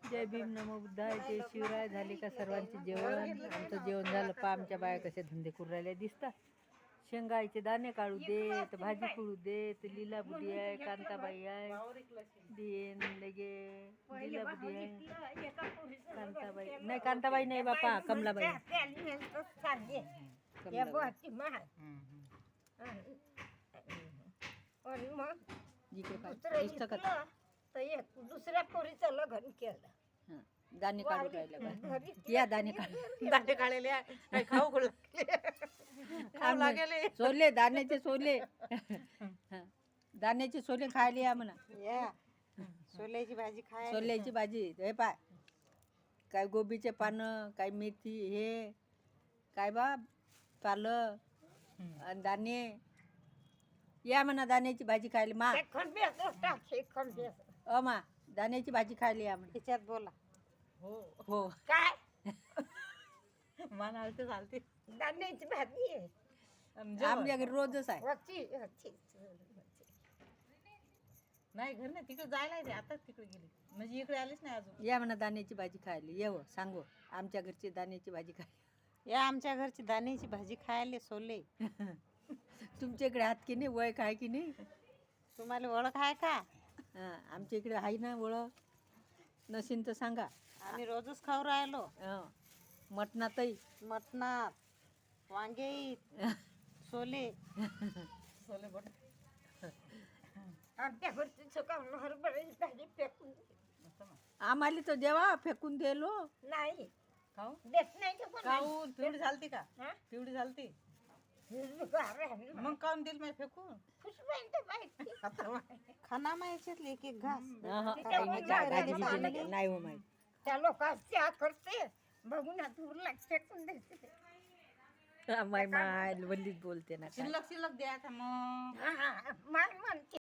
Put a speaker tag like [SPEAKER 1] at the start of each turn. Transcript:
[SPEAKER 1] जय भीम नमो बुद्धाय जय शिवराय. झाले का सर्वांचे जेवण? आमचं जेवण झालं. पा आमच्या बाया कशा धंदे करू राहिल्या दिसतात. शेंगायचे दाणे काढू देत, भाजी करू देत. लीला बुडी आहे, कांताबाई आहे, देन लगे लीला बुडी आहे, कांताबाई नाही, कांताबाई नाही बापा, कमलाबाई.
[SPEAKER 2] दुसऱ्या पोरीचं लग्न केलं.
[SPEAKER 1] दाणे काढू राहिले. या दाणे काढू.
[SPEAKER 3] दाणे काढलेले आहे. खाऊ लागेले.
[SPEAKER 1] सोले दाण्याचे सोले. दाण्याचे सोले खायला या म्हणा.
[SPEAKER 3] या सोल्याची भाजी खाय.
[SPEAKER 1] सोल्याची भाजी हे पाय, काय गोबीचे पानं, काय मेथी, हे काय बा पालक आणि दाणे. या म्हणा दाण्याची भाजी खायला मा. मा दाण्याची भाजी खायला या म्हणा.
[SPEAKER 3] तिच्यात बोला.
[SPEAKER 2] हो
[SPEAKER 1] हो
[SPEAKER 2] काय
[SPEAKER 3] म्हणाल ते चालते.
[SPEAKER 2] दाण्याची भाजी आहे.
[SPEAKER 1] आमच्या घरी रोजच आहे.
[SPEAKER 3] नाही घर नाही, तिकडे जायला आहे. आताच तिकडे गेली म्हणजे इकडे आलीच नाही अजून.
[SPEAKER 1] या म्हणा दाण्याची भाजी खायला. येव सांगू आमच्या घरची दाण्याची भाजी खायला.
[SPEAKER 3] या आमच्या घरची दाण्याची भाजी खायला सोले.
[SPEAKER 1] तुमच्या इकडे हात की नाही, वय काय की नाही?
[SPEAKER 3] तुम्हाला ओळख आहे का?
[SPEAKER 1] आमच्या इकडे आहे ना ओळख. नशीन तर सांगा.
[SPEAKER 3] आम्ही रोजच खाऊ राहिलो.
[SPEAKER 1] मटणातही
[SPEAKER 3] मटणात वांगे सोले. सोले बट
[SPEAKER 2] आमच्या घरची चुकावून हरभऱ्याची भाजी फेकून
[SPEAKER 1] आम्हाला तर देवा फेकून दिलो.
[SPEAKER 2] नाही
[SPEAKER 3] खाऊ
[SPEAKER 2] देत नाही का
[SPEAKER 3] खाऊ. पिवडी झालती का?
[SPEAKER 2] हा?
[SPEAKER 3] पिवडी झालती
[SPEAKER 2] कोणी
[SPEAKER 3] मग काऊन दिल मी फेकून? खाना माहिती एक एक घास.
[SPEAKER 1] नाही हो माहिती.
[SPEAKER 2] त्या लोकांच्या करते बघून उरला फेकून देते.
[SPEAKER 1] माय वल्लीच बोलते ना काय.
[SPEAKER 3] शिल्लक शिल्लक द्यायचा मग.
[SPEAKER 2] मान म्हणते